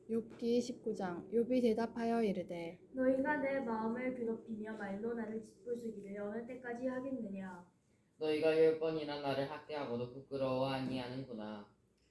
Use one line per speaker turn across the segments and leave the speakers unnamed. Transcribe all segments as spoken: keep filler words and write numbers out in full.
욥기 십구 장. 욥이 대답하여 이르되
너희가 내 마음을 괴롭히며 말로 나를 짓부수기를 어느 때까지 하겠느냐.
너희가 열 번이나 나를 학대하고도 부끄러워 아니하는구나.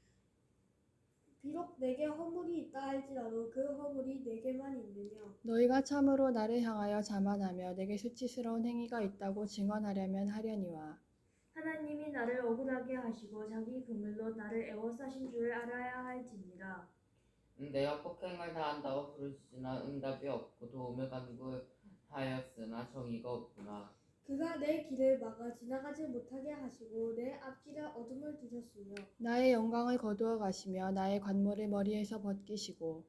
비록 내게 허물이 있다 할지라도 그 허물이 내게만 있느냐.
너희가 참으로 나를 향하여 자만하며 내게 수치스러운 행위가 있다고 증언하려면 하려니와
하나님이 나를 억울하게 하시고 자기 그물로 나를 애워싸신 줄을 알아야 할지니라.
내가 폭행을 다한다고 부르짖으나 응답이 없고 도움을 간구하였으나 정의가 없구나.
그가 내 길을 막아 지나가지 못하게 하시고 내 앞길에 어둠을 두셨으며
나의 영광을 거두어 가시며 나의 관모를 머리에서 벗기시고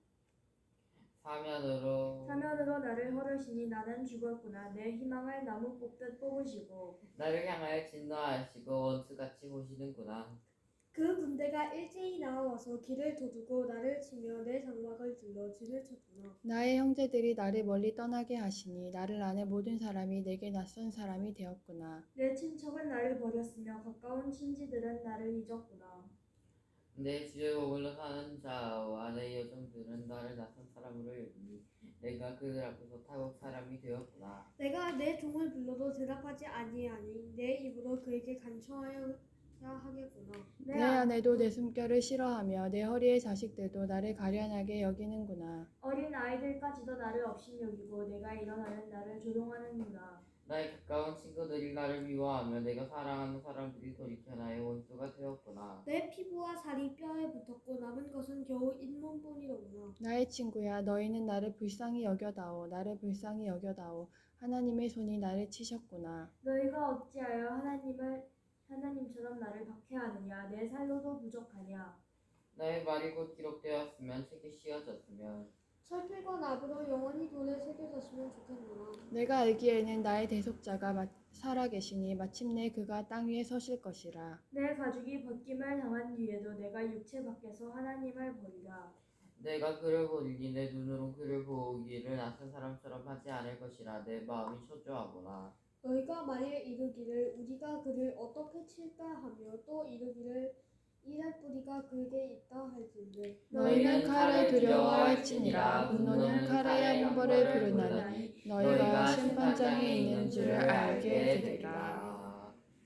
사면으로
사면으로 나를 헐으시니 나는 죽었구나. 내 희망을 나무 뽑듯 뽑으시고
나를 향하여 진노하시고 원수같이 보시는구나.
그 군대가 일제히 나와서 길을 도두고 나를 치며 내 장막을 둘러 진을 쳤구나.
나의 형제들이 나를 멀리 떠나게 하시니 나를 아는 모든 사람이 내게 낯선 사람이 되었구나.
내 친척은 나를 버렸으며 가까운 친지들은 나를 잊었구나.
내 주의 머물러 사는 자와 내 여종들은 나를 낯선 사람으로 여기니 내가 그들 앞에서 타국 사람이 되었구나.
내가 내 종을 불러도 대답하지 아니하니 내 입으로 그에게 간청하여야 하겠구나.
내 아내도 내 숨결을 싫어하며 내 허리의 자식들도 나를 가련하게 여기는구나.
어린 아이들까지도 나를 업신여기고 내가 일어나면 나를 조롱하는구나.
나의 가까운 친구들이 나를 미워하며 내가 사랑하는 사람들이 돌이켜 나의 원수가 되었구나.
내 피부와 살이 뼈에 붙었고 남은 것은 겨우 잇몸뿐이로구나.
나의 친구야, 너희는 나를 불쌍히 여겨다오. 나를 불쌍히 여겨다오. 하나님의 손이 나를 치셨구나.
너희가 어찌하여 하나님을 하나님처럼 나를 박해하느냐. 내 살로도 부족하냐.
나의 말이 곧 기록되었으면 책이 씌어졌으면
철필과 나무로 영원히 돌에 새겨졌으면 좋겠노라.
내가 알기에는 나의 대속자가 마- 살아계시니 마침내 그가 땅 위에 서실 것이라.
내 가죽이 벗김을 당한 뒤에도 내가 육체 밖에서 하나님을 버리라.
내가 그를 보리니 내 눈으로 그를 보기를 낯선 사람처럼 하지 않을 것이라. 내 마음이 초조하구나.
너희가 만일 이르기를 우리가 그를 어떻게 칠까 하며 또 이르기를 일할 뿌리가 그에게 있다 할진대.
너희는 칼을 두려워할지니라. 분노는 칼의 형벌을 부르나니 너희가 심판장에 있는 줄을 알게 되리라.